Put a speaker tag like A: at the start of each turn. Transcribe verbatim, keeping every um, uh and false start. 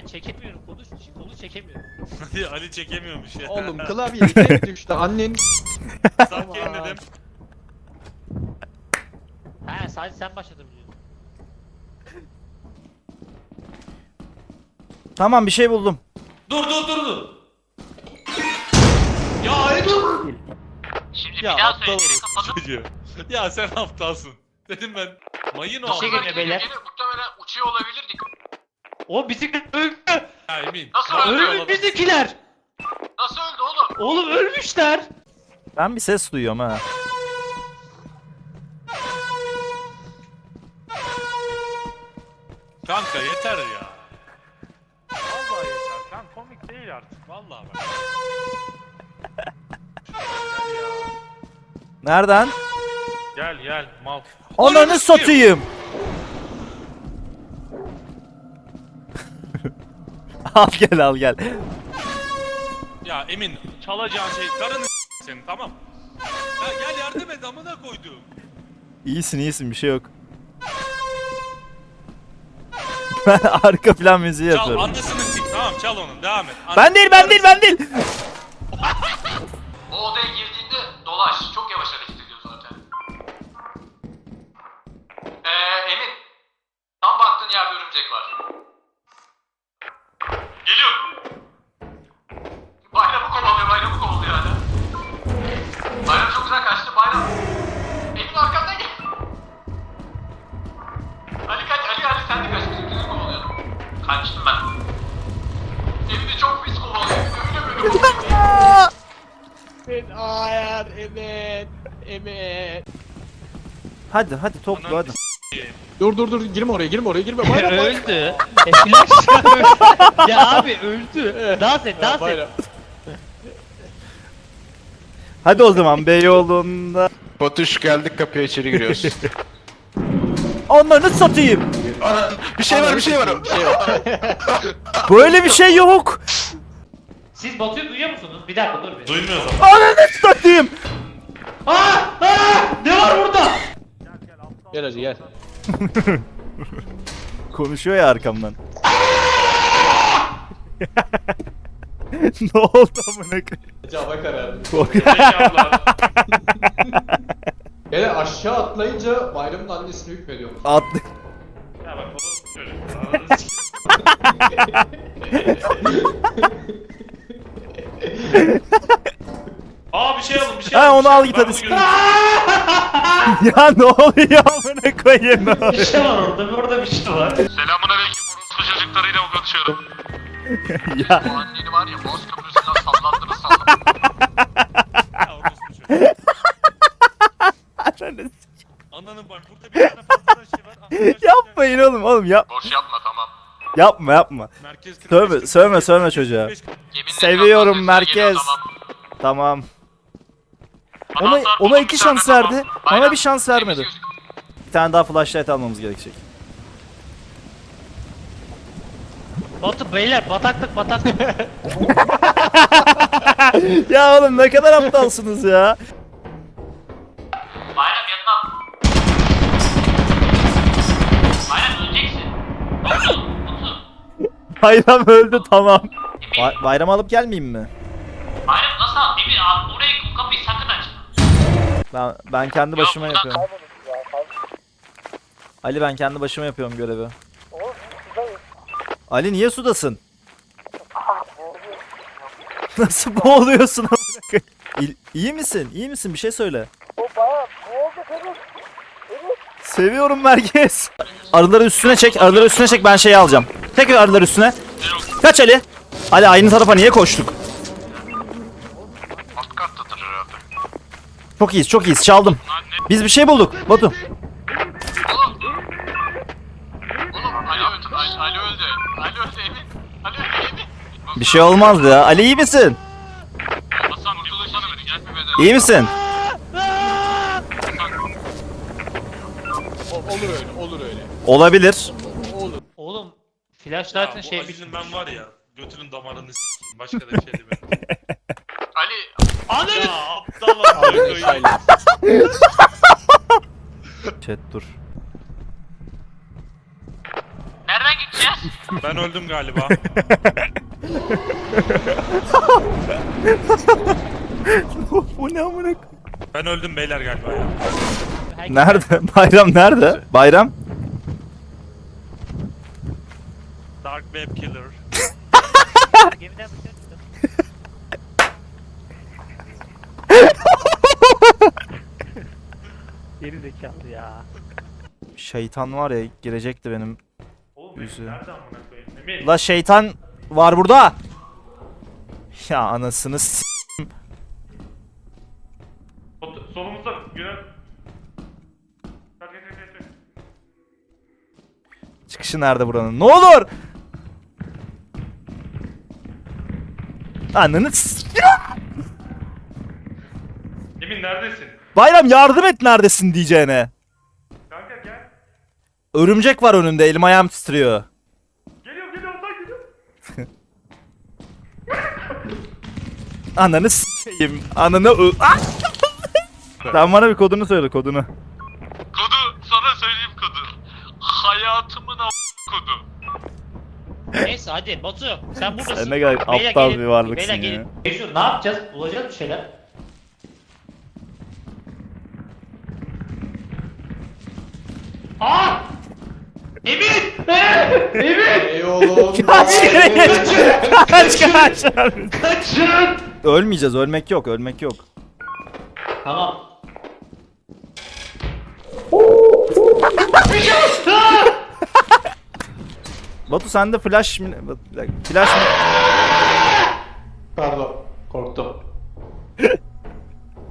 A: Ben çekemiyorum. Kolu, kolu çekemiyorum.
B: Ali çekemiyormuş ya.
C: Oğlum klavye tek düştü annen.
B: Sanki dedim.
A: He sadece sen başladın biliyorsun.
D: Tamam bir şey buldum.
B: Dur dur dur dur. Ya Ali dur.
A: Şimdi
B: Ya
A: bir daha
B: aptal
A: söyle.
B: orası
A: Kapatıp
B: çocuğu. Ya sen aptalsın. Dedim ben. Mayın o.
A: Bir şey
B: ama.
A: geliyor beyler.
E: Muhtemelen uçuyor olabilirdik.
A: O bisiklet öldü.
B: Ya emin.
E: Nasıl
B: Ya,
E: öldü?
B: öyle
A: Ölmüş
B: olamaz.
A: bizimkiler.
E: Nasıl öldü oğlum?
A: Oğlum ölmüşler.
D: Ben bir ses duyuyorum ha.
B: Kanka yeter ya. Vallahi yeter. Kan komik değil artık. Vallahi bak. Gel ya.
D: Nereden?
B: Gel gel mal.
D: Ananı satayım. Al gel al gel.
B: Ya Emin çalacağın şey karını s- senin tamam. Ya gel yardım et amına koydum.
D: İyisin iyisin bir şey yok. Ben arka plan müziği
B: Çal
D: yapıyorum.
B: annesini sik tamam çal onu devam et.
D: Ben değil ben değil ben değil.
E: O odaya girdiğinde dolaş. Çok yavaş hareket ediyor zaten. Eee Emin. Tam baktığın yerde örümcek var. Geliyor. Bayramı kovalıyor, bayramı kovalıyor hala. Bayram çok güzel kaçtı, bayram. Emin arkandan gel. Ali kaç, Ali Ali sen de kaç, bizimkileri kovalıyor. Kaçtım ben. Emin'i çok pis kovalıyor, öyle böyle kovalıyor.
C: Ben hayır evet. Evet.
D: Hadi hadi topla
B: Ananı
D: hadi.
C: Dur dur dur girme oraya girme oraya girme. Bayram bayram.
A: öldü. E flash öldü. Ya abi öldü. Dans et dans et.
C: Bayram.
D: Hadi o zaman Beyoğlu'nda.
F: Batuş geldik kapıya içeri giriyoruz.
D: Onları satayım.
F: Ana bir şey var bir şey var.
C: Bir şey var.
D: Böyle bir şey yok.
A: Siz Batu'yu duyuyor musunuz? Bir dakika dur bir.
B: Duymuyoruz ama.
D: Ananı satayım.
A: Aa! Aa! Ne var burada?
C: Gel hacı gel.
D: Konuşuyor ya arkamdan. Ne oldu amına koyayım?
C: Hacı hava karardı.
B: Zekalar.
C: Hele aşağı atlayınca bayramın annesini hükmediyor.
D: Atlı.
B: Ya bak bu çocuk. Ananı s- Aa bir şey alın bir şey
D: Ha,
B: alın,
D: onu
B: bir şey
D: al
B: alın.
D: git
B: Ben
D: hadi.
B: bunu görüyorum.
D: Ya ne oluyor amına koyayım? Ne
A: Bir
D: oluyor?
A: şey var orada. Orada bir şey var.
E: Selamun aleyküm, orospu çocuklarıyla mı konuşuyorum?
D: Ya
E: Bu anneni var ya, Boğaz Köprüsü'nden sallandınız sallandınız.
B: Ya orospu çocuğu.
D: ananı s-
B: Ananın bak burada bir tane fazla şey var. Arkadaşlar,
D: yapmayın oğlum oğlum yap.
E: Boş yapma tamam.
D: Yapma yapma.
B: Merkez kırk beş,
D: Sövme
B: kırk beş,
D: sövme
B: kırk
D: sövme
B: beş,
D: çocuğa.
B: kırk beş, kırk beş.
E: Yeminle
D: Seviyorum
E: birazdan sesler geliyor,
D: merkez.
E: tamam.
D: Tamam. Ona
E: Anahtar
D: ona
E: buldum
D: iki
E: bir
D: şans
E: tane,
D: verdi.
E: tamam.
D: Bana
E: Bayram,
D: bir şans
E: temiz
D: vermedi.
E: gözük.
D: Bir tane daha flashlight almamız gerekecek.
A: Batu beyler bataklık bataklık.
D: Ya oğlum ne kadar aptalsınız ya.
A: Bayram yanına at. Bayram öleceksin. Batu. Batu.
D: Bayram öldü tamam. Ba- bayram alıp gelmeyeyim mi?
A: Bayram nasıl al? Emir abi orayı kapıyı sakın açma.
D: Ben ben kendi başıma
E: Yok,
D: yapıyorum. Ali ben kendi başıma yapıyorum görevi. Ali niye sudasın? Nasıl boğuluyorsun amına koyayım? İyi- İyi misin? İyi misin? Bir şey söyle. Seviyorum merkez. Arıları üstüne çek, arıları üstüne çek, ben şeyi alacağım. Tekrar arıları üstüne. Kaç Ali? Ali aynı tarafa niye koştuk?
E: Alt kattadır herhalde.
D: Çok iyiyiz, çok iyiyiz. Çaldım. Biz bir şey bulduk. Batu.
E: Oğlum. Oğlum Ali öldü. Ali, Ali öldü. Ali öldü Emin. Ali öldü Emin.
D: Bir şey olmaz ya. Ali iyi misin?
E: Hasan kurtuluşunu ver. Gel bir bedel.
D: İyi misin?
C: O- olur öyle olur öyle.
D: Olabilir.
C: O- Olur.
A: Oğlum
B: Ya
A: flashlight'ın
B: bu
A: şey
B: Ali'nin ben var ya götünün damarını s**eyim. Başka da bir şey demiyorum.
E: Ali.
B: Ya aptal amına koyayım.
D: Chat dur.
A: Nereden gideceğiz?
E: öleceğiz.
B: Ben öldüm galiba.
D: Bu ne amına?
B: Ben öldüm beyler galiba ya.
D: Nerede? Bayram nerede? Bayram?
B: Dark Web Killer.
A: Gemiden mi çıktın? Geri zekalı ya.
D: Şeytan var ya girecekti benim.
B: Oğlum
D: Yüzü.
B: Emin nereden amına koyayım? Emin.
D: La şeytan var burada. Ya anasını s-
B: Ot- Solumuzda Güney. Kalk, kalk, kalk, kalk.
D: çıkışı nerede buranın? Ne olur! Ananı s-
B: Emin neredesin?
D: Bayram yardım et neredesin diyeceğine.
B: Kanka gel.
D: Örümcek var önünde elim ayağım titriyor.
B: Geliyorum geliyorum lan geliyorum.
D: Ananı s**eyim. Ananı ö- Ah! Sen bana bir kodunu söyle kodunu.
E: Kodu sana söyleyeyim kodu. Hayatımın a** kodu.
A: Neyse hadi Batu sen buradasın.
D: Sen ne kadar
A: Beyler
D: aptal
A: gelin,
D: bir varlıksın
A: beyler
D: ya.
A: gelin. Mecnun ne yapacağız? Bulacağız bir şeyler. Aa! Emin! Emin!
C: Ey oğlum.
D: Kaç kere geç. Kaç kaç.
A: Kaçın!
D: Ölmeyeceğiz ölmek yok ölmek yok.
A: Tamam.
D: Batu sende flash mi? Bir dakika, flash mı?
C: Pardon. Korktum.